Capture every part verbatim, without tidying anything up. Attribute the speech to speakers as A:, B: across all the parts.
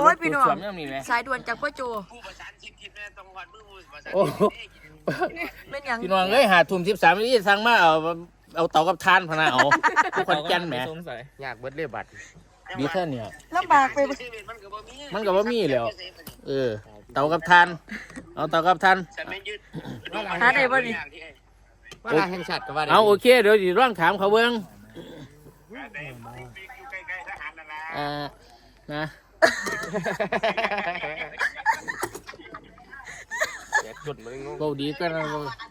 A: ยพี่น้องสายด่วนจากพ่อโจผู้ประสานชิปทิพย์แม่ต้องวันมือประสานเป็นอย่าง
B: พี่น้องเอ้ยหาทุ่มสิบสามนี่สั่งมาเอาเอาเตากับทานพนาเอาทุกคนแก่นแหม
C: อยากเบิดเลยบัตร
B: ดีแค่เนี่ย
A: ลำบากไป
B: มันก็บ่มีแล้วเออเตากับทานเอาเตากับทาน
A: หาได้บ่นี่
C: ว่าลาแห่งชาติก็ว่าได้
B: เอาโอเคเดี๋ยวสิร้องถามเขาเบิ่งอ่านะโบดีก็นะ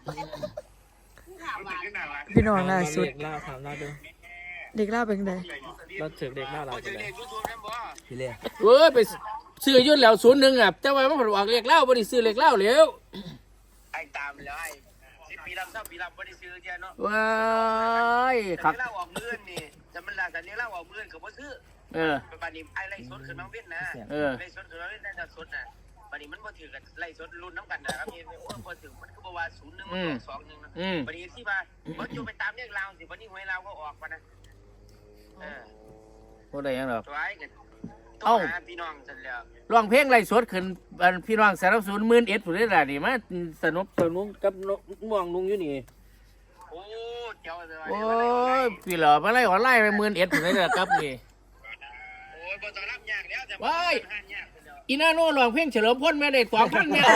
A: พี่น้องล่าสุด
D: เด็กล่าถามล่าดู
A: เด็กล่าเป็นไง
D: เราถือเด็กล่าเราเป็นไงพี่เล่
B: เว้ยไปซื้อยุ่นแล้วศูนย์หนึ่งอ่ะแต่ว่ามันผลออกเล็กเล่าบ่ได้ซื้อเล็กเล่าแล้ว
E: ไอ้ตามเลยสิปีลำซ้ำปีลำบ่ได้ซื้อเจ้าเนาะ
B: ว้ายครับ
E: เล่าออกมื้อนี่จะมันล่ะแต่นี้เล่าออกมื้อก็บ่ซื้อ
B: เออ
E: บัดนี้ไอ้ไล่สดขึ้นมาเว้นนะ
B: เออ
E: ไล่สดขึ้นมาเว้นน่ะสดน่ะบัดนี้มันบ่ถือกันไล่สดรุ่นน้ำกันนะครับพี่โอ้บ่ถือมันก็บ่ว่าศูนย์หนึ่งมันสองหนึ่งนะบัดนี้ที่ว่าบ่อยู่ไปตามเลขลาวสิบัดนี้หวยลาวก็ออกมานะเออ
B: บ่ได้หยังดอก
E: ตัวไอ้กันเอ้าพี่น้องซั่นแล้ว
B: ร้องเพลงไล่สดขึ้นอันพี่น้องสนับสนุนหมื่นเอ็ดพุ่นเด้ล่ะนี่มาสนุกสนุกกับม่วงลุงอยู่นี่
E: โอ้เจ้าเลย
B: โอ้ยพี่เหรอมาไล่ออนไลน์ไปหมื่นเอ็ดพุ่นเด้ล่ะครับนี่
E: โอ้ยบ่ต้องรับยากแล้วแต่
B: ว้ายอีน่าโน่ร้องเพลงเฉลิมพลแม่ได้สองพันแม่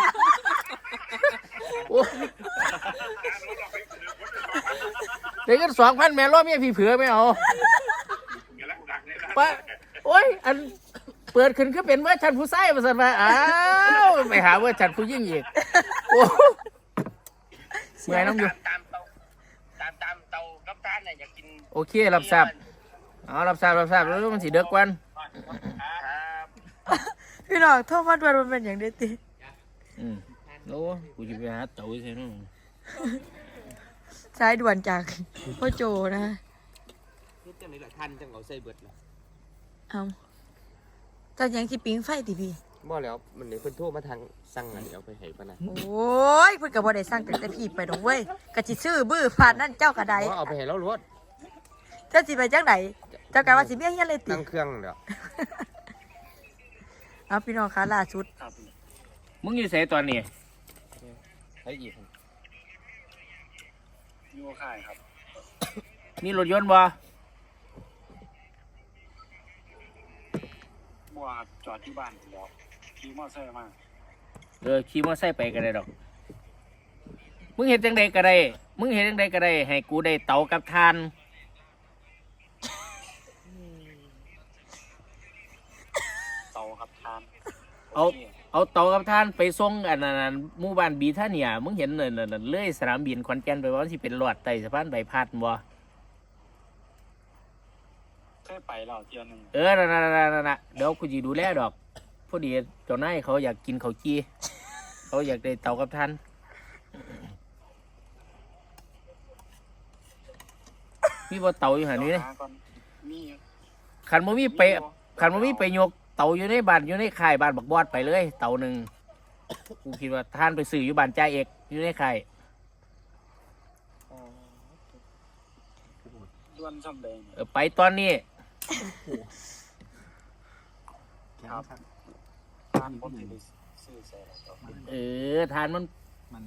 B: โอ้ได้กันสองพันแม่รอเมียพี่เผือไม่เอาปะโอ้ยอันเปิดขึ้นก็เป็นเวอร์ชันผู้ชายมาสั่นมาอ้าวไปหาเวอร์ชันผู้หญิงอีกโอ้เมื่อยน้องอยู่
E: ตามเตาตามตามเตากับทานน่ะอยากกิน
B: โอเครับทราบเอารับทราบรับทราบแล้วมันสิเด็กกว่า
A: พี่น้องโทษมาด่วนมันเป็นอย่างเด็ดติ
B: อืมโอ้กูจะไปหาเต๋าใช่ไหม
A: สายด่วนจากพ่อโจนะ
C: นี่จังไหนล่ะท่านจังเอาใส่เบิดล่ะ
A: เอาจังยังสิปิ้งไฟติพี่
C: บ่แล้วมันนี่เพิ่นโทรมาทางสั่งอันนี้เอาไปให้ปะนะ
A: โอ้ยเพิ่นก็บ่ได้สั่งตั้งแต่พี่ไปดอกเว้ยก็สิซื้อบื้อผ่านนั่นเจ้าก็ได้
C: บ่เอาไปให้เรารถ
A: เจ้าสิไปจังได๋เจ้ากะว่าสิเมียเฮียนเลยติ
C: ตั้งเครื่องเด้อ
A: เอาพี่น้องคะล่าสุด
B: มึงอยู่ไสตอนนี้
C: ไอ้อีก
E: อยู่ค่ายครับ
B: มีรถยนต์บ่
E: บัวจอดที่บ้านแล้วขี่มอเตอร์ไซค์มา
B: เออขี่มอเตอร์ไซค์ไปก็ได้ดอกมึงเห็นจังใดก็ได้มึงเห็นจังใดก็ได้ให้กูได้เตากับทาน
E: เตากับทาน
B: เอาเอาเตากับทานไปส่งอันนั้นหมู่บ้านบีท่าเนี่ยมึงเห็นนั่นๆเลยสนามบินขอนแก่นไปว่าสิเป็นหลอดใต้สะพานใบพัดบ่
E: เคยไปแล้วเที่ยวนึง
B: เออนั่นๆๆๆเดี๋ยวกูสิดูแลดอกพอดีเจ้านายเขาอยากกินข้าวจี้เขาอยากได้เตากับทานมีบ่เตาอยู่หั่นนี่
E: มี
B: คันบ่มีไปคันบ่มีไปยกเตาอยู่ในบ้านอยู่ในค่ายบ้านบักบอดไปเลยเตาหนึ่งกูคิดว่าท่านไปซื้ออยู่บ้านจ่าเอกอยู่ในค่าย
E: ด้วนซ่อมแดง
B: เออไปตอนนี้
E: ครับทานผมสิซื้อใส่
B: เออทานมัน
D: มันไหม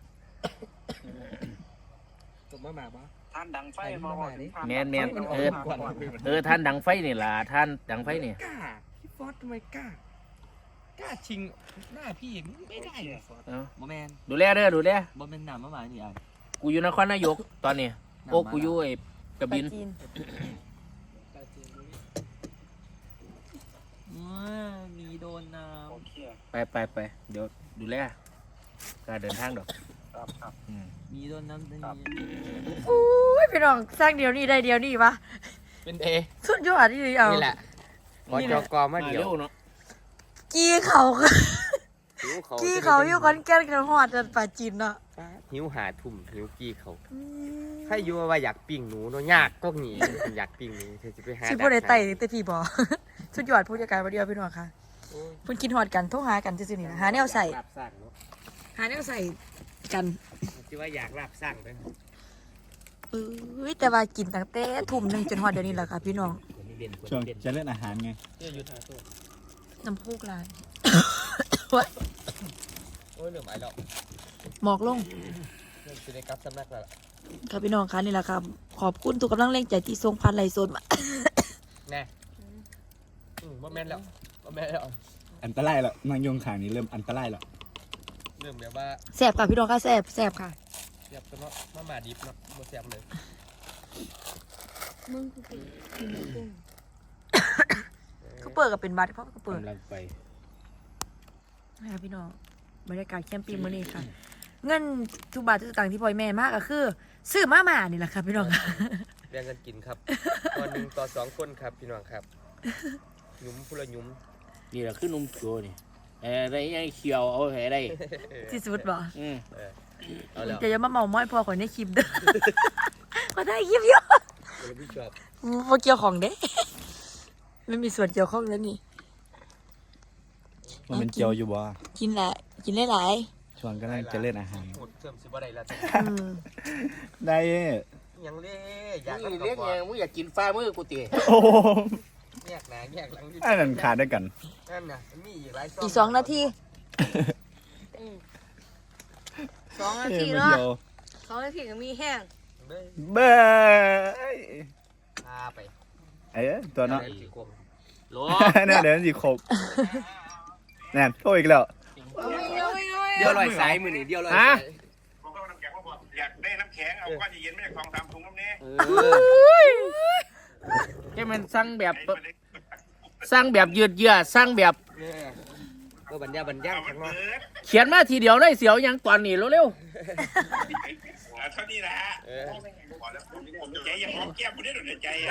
D: จบมาแบบว่า
E: ท่านดังไฟมา
B: แมนแมนเออเออท่านดังไฟนี่ล่ะท่านดังไฟนี่
D: กล้าพี่ฟอสทำไมกล้ากล้าชิงหน้าพี่ไม่ได้เลยฟอสโมแมน
B: ดูแลเด้อดูแล
D: โมแมนหนามมาหมายนี่ไอ้
B: กูอยู่นครนายกตอนนี้โอ้กูอยู่ไอ้กระบิน
D: มีโดนน้ำ
B: ไปไปไปเดี๋ยวดูแลการเดินทางดอก
E: ครับครับ
D: มีโดนน้ำตรงนี้
A: อุ้ยพี่น้องสร้างเดียวนี้ได้เดียวนี้ปะ
C: เป็นเอ
A: สุดยอดที่เอา
C: นี่แหละพอจกมาเดียว
B: เนาะ
A: กี้เขากี้เขาอยู่คอนแก่นกันหอดกันป่าจีนเนาะ
C: หิวหาทุ่มหิวกี้เขาใครอยู่ว่าอยากปิ้งหนูเนาะยากก็หนีอยากปิ้งหนูเธอจะไปหา
A: สิบ่ได้ไต่แต่พี่บ่สุดยอดผู้จัดการบ่เดียวพี่น้องค่ะเพิ่นกินฮอดกันโทรหากันซื่อๆนี่นะหาแนวใส่หาแนวใส่กัน
C: สิว่าอยากลาบสร้างเด้อ
A: เอ้ยแต่ว่ากินตั้งแต่ทุ่มนึงจนฮอดเดี๋ยวนี้แหละค่ะพี่น้อง
D: ช่วงจะเล่นอาหารไง
A: น้ำพุกลาย
C: โอ้ยเหนื่อยไหมแล้ว
A: หมอกลง
C: เริ่มจะได้กลับสำนักแล้ว
A: ครับพี่น้องคะนี่แหละครับขอบคุณทุกกำลังแรงใจที่ทรงพันไหลโซนมา
C: แน่อืมบ่แม่นแล้วบ่แม่นแล้ว
D: อันตรายแล้วนางยงขางนี้เริ่มอันตรายแล้ว
C: เริ่มแบบว่า
A: แสบค่ะพี่น้องค่ะแสบแสบค่ะ
C: เสียบกันเนาะมาหมาดิบเนาะบ่เสียบเลย
A: ก็เปิดกับเป็นบัตรเพราะก็เปิด
B: กำลังไป
A: นะครับพี่น้องบรรยากาศแคมปิ้งมื้อนี้ค่ะ เงินทุกบาททุกสตางค์ที่พ่อแม่มากก็คือซื้อมาหมานี่แหละครับพี่น้องค่ะ
C: แบ่งกันกินครับตอนหนึ่งต่อสองคนครับพี่น้องครับหยุมพุละหยุม
B: นี่แหละคือนุ่มโจนี่แอะไรยังเขียวเอาแหได้
A: ที่สุดบ่
B: อืม
C: เออเอาแล้ว
A: จะอย่ามาเมาม้อยพอขอในคลิปเด้อ ขอได้คลิปเยอะ
C: เดี๋ยวพี่ชอบ
A: พอเกี่ยวของเด้ ไม่มีส่วนเกี่ยวข้องแล้วนี่
D: มันเป็นเจียวอยู่บ่
A: กินแหละกินได้หลาย
D: ชวนก็น่าจะเล่นอาหาร
C: หมดเสื่อมสิบ่ได้แล้ว
A: อืม
D: ได้
C: ยังเล่อยาก
B: นี่
C: กับ
B: เรียก
C: บ่
B: ยังมึงอยากกินฟ้ามือกูตี
D: โอ้โห
C: แยกหน้าแยกหลัง
D: อันนั้นขาดด้วยกัน
C: นั่นน่ะมันมีอีกหลายซ
A: อีกสองนาทีสองนาที
D: เอ้ยมัน
A: เนาะ
D: เดียว
A: สองนาทีก็มีแห้ง
C: เบ้ย
D: เบ้ย
C: พาไป
D: เอ้ยตัวเนาะ
C: ดี๋ยวสิโกง
B: โหล
D: เนี่ยเดี๋ยวมันสิครบแน่นโทษอีกแล้ว
C: เดี๋ยวลอยสายมือนี่เดี๋ยวลอย
B: ฮะ
C: สาย
F: ผมก็น้ำแข็งมาบอกอยากได้น้ำแข็งเอาก้อนเย็นๆไม่ใช่กองตามถุงน้ำเนี้ย
C: เออ
B: แค่มันสั่งแบบสั่งแบบยืดเยื้อสั่งแบบ
C: เนี่ยก็บรรยาบรรยา
F: เอามั
C: ข้าน งน
F: เปิ
C: อก
F: ด
B: เขียนมาทีเดียวได้เสียวยังตอนนี้เร็ว
F: เอาเท่านี้แหละ
C: เออ
F: พอแล้วผมใจยังหอมแก้มผมได้หรือใจอะ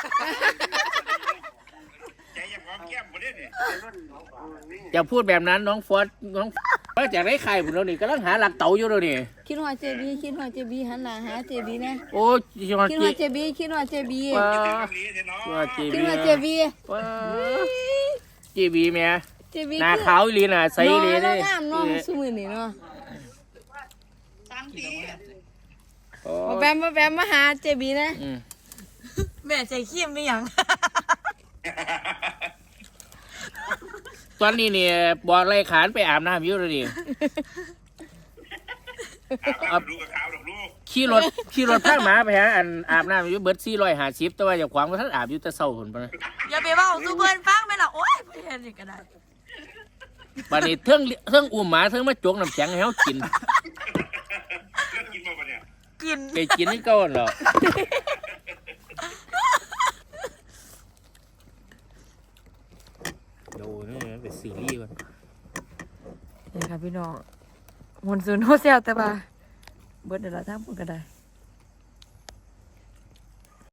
F: ใจยังหอมแก้มผมได้เนี่ย
B: ๆอย่าพูดแบบนั้นน้องฟอสน้องว่าจากได้ใครผมแล้วนี่กำลังหาหลักเต๋าอยู่แล้วนี่
G: คิดว่าเจบีคิดว่าเจบีหันหน้าหาเจบีนะ
B: โอ้ยยอด
G: คิด
B: จี
G: ว่าเจบีคิดว่าเจบี
B: ว้า
F: เลี้ยเถอะเนาะ
B: ยอดจี
G: คิด
B: บี
G: ว่าเจบี
B: ว้าจีบีแม่
G: เจบี
B: หน้าขาวอีหลีน่ะใสอีหลี
G: เล
B: เลย
G: งามเนาะสมือนี่เนาะ
B: โอ้
G: บ่แบมบ่แบมมาหาเจบีนะ
B: อืม
A: แม่ใจขี้มไม่ยัง
B: ตอนนี้เนี่ยบอกไรขานไปอาบน้ำอยู่เลยดิ
F: เอาลูกกับขาวดอกลูก
B: ขี่รถขี่รถทางหมาไปฮะอันอาบน้ำอยู่เบิร์ดซี่ร้อยห้าสิบแต่ว่าอย่าขวางว่าท่านอาบอยู่แต่เศร้าคนปะนะ
A: อย่าไปเว่าสู้เพื่อนฟังไปละโอ๊ยเพื่อนนี่ก็ได้
B: บัดนี้เทิงเทิงอุ้มหมาเทิงมาจกน้ำแข็งให้เขากิน
F: เลิกกินมาปะเนี่ย
A: กิน
B: ไปกินให้ก้อนเหรอดูนี่เป็นซีรีส์ก่อน
A: นี่ค่ะพี่น้องมนซูนโฮเซลแต่ว่าเบิร์ดเดี๋ยวเราทั้งหมดก็ได้